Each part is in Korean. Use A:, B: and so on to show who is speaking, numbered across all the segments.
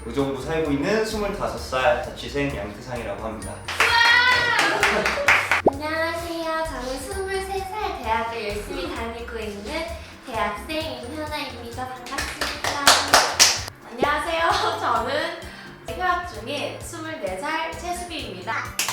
A: 의정부 살고 있는 25살 자취생 양태상이라고 합니다.
B: 안녕하세요. 저는 23살 대학을 열심히 다니고 있는 대학생 임현아입니다. 반갑습니다. 안녕하세요. 저는 휴학 중인 24살 최수빈입니다.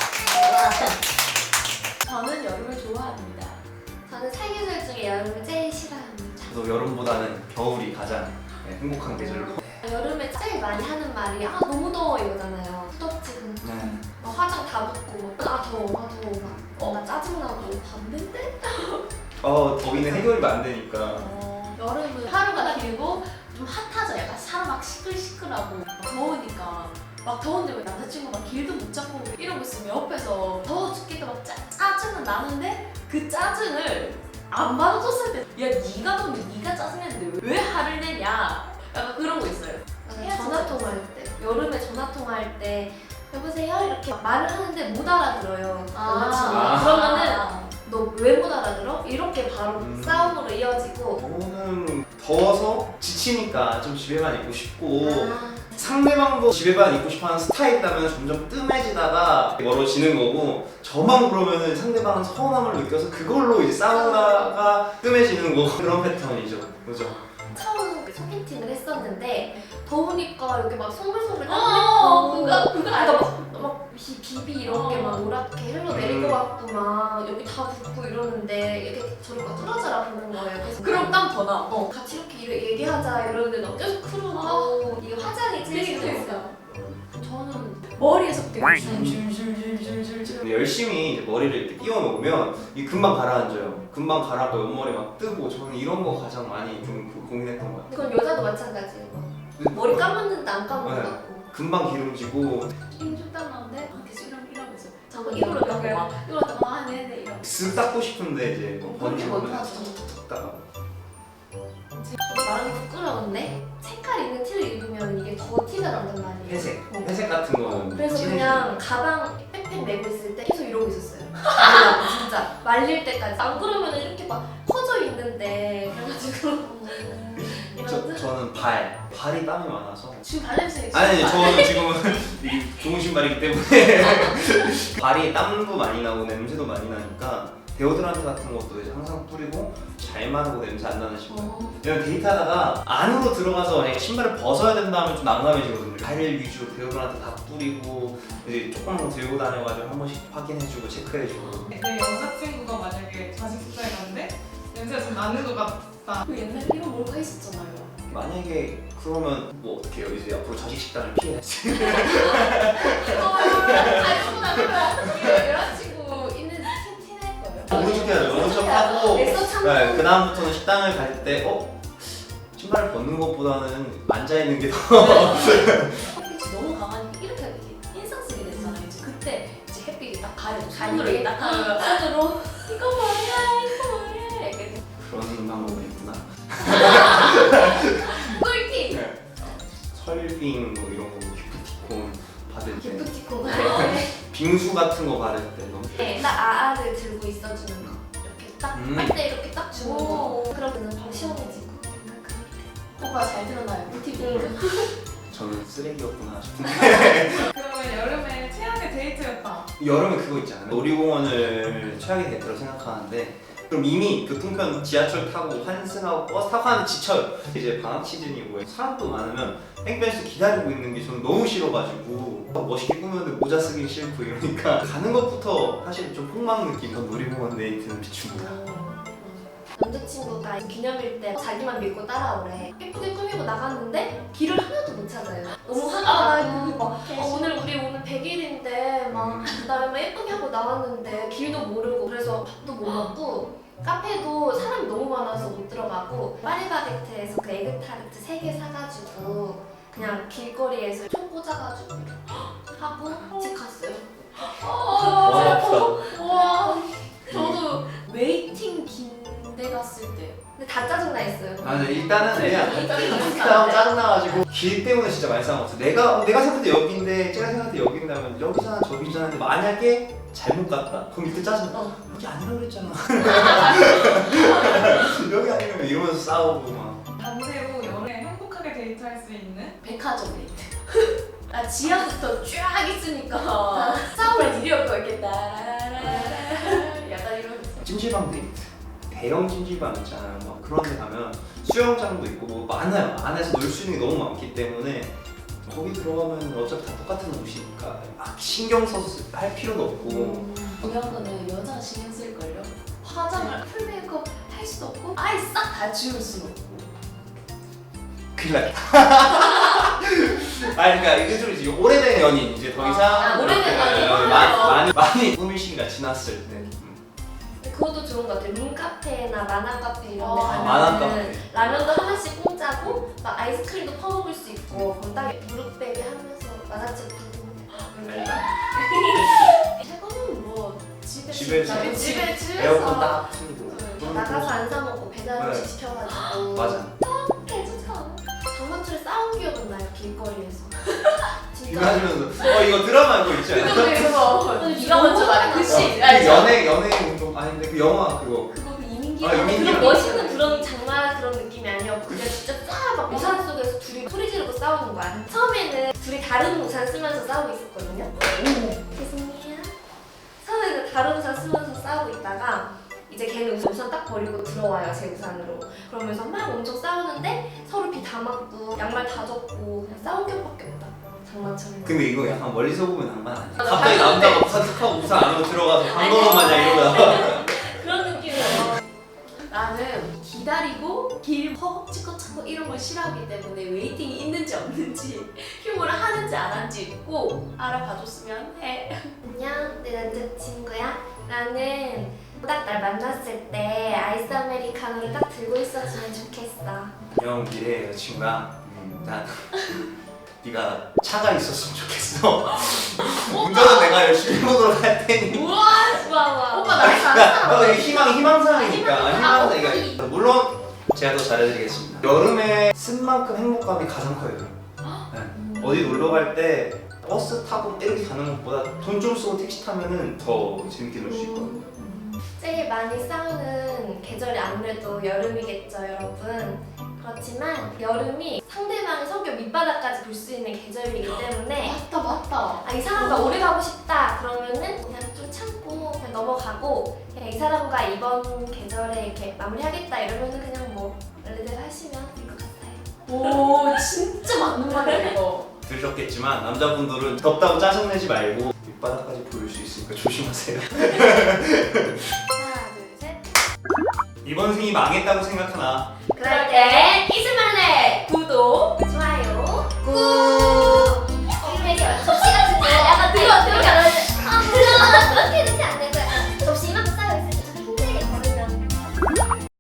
B: 저는 여름을 좋아합니다. 저는 사계절 중에 여름을 제일 싫어합니다.
A: 저도 여름보다는 겨울이 가장 행복한 계절로.
B: 여름에 제일 많이 하는 말이 너무 더워 이거잖아요. 후덥지 근데
A: 네.
B: 화장 다 붓고 더워 나 짜증나고 밤인데?
A: 더위는 해결이 안 되니까.
C: 여름은 하루가 길고 좀 핫하죠. 약간 사람 막 시끌시끌하고 막 더우니까 막 더운데 왜 남자친구가 길도 못 잡고 이러고 있으면 옆에서 더워 죽겠다 막 짜증은 나는데 그 짜증을 안 받아줬을 때 야 니가 더운데 니가 짜증냈는데 왜 화를 내냐 약간 그런 거 있어요.
B: 전화 통화할 때 여름에 전화 통화할 때 여보세요 이렇게 말을 하는데 못 알아들어요. 남자친구가. 그러면은 너 왜 못 알아들어? 이렇게 바로 싸움으로 이어지고.
A: 저는 더워서 지치니까 좀 집에만 있고 싶고 상대방도 집에만 있고 싶어하는 스타일이라면 점점 뜸해지다가 멀어지는 거고, 저만 그러면은 상대방은 서운함을 느껴서 그걸로 이제 싸우다가 뜸해지는 거, 그런 패턴이죠. 그죠?
B: 처음 소개팅을 했었는데 더우니까 여기 막 송글송글 땀 나고 막 비비 이런 게 막 노랗게 흘러내릴 것 같고 막 여기 다 붓고 이러는데 이렇게 저를 막 뚫어져라 보는 거예요. 그래서
C: 그럼 땀 더 나.
B: 같이 이렇게 얘기하자 이러는데 너 계속 크루고 이게 화장이 제일 싫어요.
C: 저는 머리에서부터 줄줄줄줄줄줄
A: 근데 열심히 이제 머리를 이렇게 띄워놓으면 이게 금방 가라앉아요. 금방 가라앉고 옆머리 막 뜨고, 저는 이런 거 가장 많이 좀 고민했던 것 같아요.
B: 그건 여자도 마찬가지예요. 머리 감았는데 안 감은 것
A: 네.
B: 같고
A: 금방 기름지고
C: 힘좀 땀 나는데 계속 이러고 있어.
B: 자꾸
C: 이걸로
B: 이걸로
C: 이렇게
B: 막
C: 막 이러다가 네네 이러고.
A: 쓱 닦고 싶은데 이제 뭐
B: 그렇게
A: 번지고
B: 못하죠.
A: 닦다가.
B: 말하기 부끄러운데 색깔 있는 티를 입으면 이게 더 티가 난단 말이에요.
A: 회색 같은 거는
B: 그래서
A: 진해지고.
B: 그냥 가방 백팩 메고 있을 때 계속 이러고 있었어요. 진짜 말릴 때까지. 안 그러면 이렇게 막 퍼져 있는데 그래가지고
A: 저는 발이 땀이 많아서.
C: 지금 발냄새
A: 아니 저는 지금은 이게 좋은 신발이기 때문에 발이 땀도 많이 나고 냄새도 많이 나니까 데오드란트 같은 것도 이제 항상 뿌리고 잘 마르고 냄새 안 나는 신발. 왜냐면 데이트하다가 안으로 들어가서 만약에 신발을 벗어야 된다 하면 좀 난감해지거든요. 발 위주로 데오드란트 다 뿌리고 이제 조금 들고 다녀가지고 한 번씩 확인해주고 체크해주고.
D: 내 여자친구가 만약에 자식 숙제에 갔는데 냄새가 좀 나는 것 같다.
C: 그 옛날에 이런 몰카 있었잖아요.
A: 만약에 그러면 뭐 어떻게 해요? 이제 앞으로 자식 식단을 피해야지.
C: 알고나 그러면 여자친구 있는 티낼 거예요.
A: 모른 척 해야죠. 모른 척 하고
B: 애써 참고.
A: 네, 그다음부터는 식당을 갈 때 신발을 벗는 것보다는 앉아있는 게 더
C: 햇빛이 너무 강하니까 이렇게 인상 쓰게 됐잖아요. 이제 그때 이제 햇빛이 딱 가려.
B: 가리게.
C: 손으로 딱 가려. 손으로 이거 뭐야 이렇게.
A: 그런 방법이 있구나.
B: 꿀팁!
A: 네. 설빙 뭐 이런 거 기프티콘 받을 때,
B: 기프티콘
A: 빙수 같은 거 받을 때 너무
B: 딱 아아를 들고 있어주는 거 이렇게 딱 할 때 이렇게 딱 주는 거 그러면 더 시원해지고
C: 오빠 잘 들었나요? 꿀팁을.
A: 저는 쓰레기였구나 싶은데
D: 그러면 여름에 최악의 데이트였다.
A: 여름에 그거 있잖아요. 놀이공원을 최악의 데이트로 생각하는데 그럼 이미 교통편 지하철 타고 환승하고 버스 타고 하는데 지쳐요. 이제 방학 시즌이고 사람도 많으면 뺑뺑이에서 기다리고 있는 게 저는 너무 싫어가지고 멋있게 꾸몄는데 모자 쓰기 싫고 이러니까 가는 것부터 사실 좀 폭망 느낌. 놀이공원 데이트는 비춥니다.
B: 남자친구가 기념일 때 자기만 믿고 따라오래. 예쁘게 꾸미고 나갔는데 길을 하나도 못 찾아요. 너무 화가 나고 막 오늘 우리 오늘 100일인데 막 그다음에 예쁘게 하고 나왔는데 길도 모르고 그래서 밥도 못 먹고 카페도 사람이 너무 많아서 못 들어가고 파리바게트에서 그 에그타르트 3개 사가지고 그냥 길거리에서 총 꽂아가지고 하고 집 갔어요.
A: 와 아프다.
C: 와 저도 웨이팅 긴데 갔을 때
B: 근데 다 짜증나 있어요.
A: 네, 일단은 그냥 다음 짜증나가지고 길 때문에 진짜 많이 싸웠어. 내가 생각할 때 여기인데 제가 생각할 때 여기인데 하면 여기잖아 저기잖아. 근데 만약에 잘못 갔다? 그럼 이때 짜증나. 여기 아니라고 그랬잖아. 여기 아니면 이러면서 싸우고 막.
D: 반대로 여름에 행복하게 데이트할 수 수 있는
C: 백화점 데이트. 나 지하부터 쫙 있으니까 싸움을 일이 없고 이렇게 따라라라 약간 이러면서.
A: 찜질방 데이트. 대형 찜질방 있잖아요. 막 그런 데 가면 수영장도 있고 뭐 많아요. 안에서 놀 수 있는 게 너무 많기 때문에 거기 들어가면 어차피 다 똑같은 옷이니까 막 신경 써서 할 필요도 없고
C: 중요한 거는 여자가 신경 쓸걸요. 화장을 풀 메이크업 할 수도 없고 아예 싹 다 지울 수는 없고.
A: 큰일 났다. 그러니까 이게 좀 이제 오래된 연인 이제 더 이상
C: 오래된 연인.
A: 많이 꾸밀 시기가 지났을 때.
B: 그것도 좋은 것 같아요. 룸카페나 만화카페 이런 데
A: 만화
B: 가면은
A: 카페.
B: 라면도 하나씩 공짜고 막 아이스크림도 퍼먹을 수 있고 그럼 딱 무릎베개 하면서 만화책 보고
C: 최고는 뭐
A: 집에서.
C: 집에서
A: 에어컨 딱 틀고.
B: 나가서 안 사 먹고 배달 음식
A: 네.
B: 시켜가지고
A: 맞아.
B: 개좋잖아. 장마철에 싸운 기억은 나요 길거리에서.
A: 이거 하시면서 이거 드라마 그거 있지 않아요?
C: 그거 네가 먼저 말해. 그치?
A: 그 연애 운동 아닌데 그 영화 그거
C: 그거 그 이민기.
A: 이민기.
B: 그런 멋있는 그런 장난 그런 느낌이 아니었고 그냥 진짜 막 우산 속에서 둘이 소리 지르고 싸우는 거야. 처음에는 둘이 다른 우산 쓰면서 싸우고 있었거든요. 죄송해요. 처음에는 다른 우산 쓰면서 싸우고 있다가 이제 걔는 우산 딱 버리고 들어와요 제 우산으로. 그러면서 막 엄청 싸우는데 서로 비 다 맞고 양말 다 젖고 그냥 싸운 격밖에 없다. 장마철에.
A: 근데 이거 약간 멀리서 보면 낭만 아니야?
B: 맞아,
A: 갑자기
B: 봤는데.
A: 남자가 우산 우산 안으로 들어가서 방금은 마냥 이러다가
B: 그런 느낌이에요.
C: 나는 기다리고 길 허겁지겁 찾고 이런 걸 싫어하기 때문에 웨이팅이 있는지 없는지 휴무를 하는지 안 하는지 꼭 알아봐줬으면 해.
B: 안녕, 내 남자친구야. 나는 딱 날 만났을 때 아이스 아메리카노를 딱 들고 있었으면 좋겠어.
A: 형 미래 여자친구야 난 네가 차가 있었으면 좋겠어. 운전은 내가 열심히 해보도록 할 테니
C: 우와!
B: 와.
C: 오빠 나랑 잘한다.
A: 이게 희망사항이니까 희망사항이니까 물론 제가 더 잘해드리겠습니다. 여름에 쓴 만큼 행복감이 가장 커요. 네. 어디 놀러 갈 때 버스 타고 이렇게 가는 것보다 돈 좀 쓰고 택시 타면은 더 재밌게 놀 수 있거든요.
B: 제일 많이 싸우는 계절이 아무래도 여름이겠죠, 여러분. 그렇지만 여름이 상대방의 성격 밑바닥까지 볼 수 있는 계절이기 때문에
C: 맞다.
B: 이 사람과 오래 가고 싶다 그러면은 그냥 좀 참고 그냥 넘어가고 그냥 이 사람과 이번 계절에 이렇게 마무리하겠다 이러면은 그냥 뭐 원래대로 하시면 될 것 같아요.
C: 오 진짜 맞는 말이야 이거.
A: 들으셨겠지만 남자분들은 덥다고 짜증내지 말고 밑바닥까지 보일 수 있으니까 조심하세요.
B: 하나, 둘, 셋.
A: 이번 생이 망했다고 생각하나?
B: 그럴 때 이승만의 구독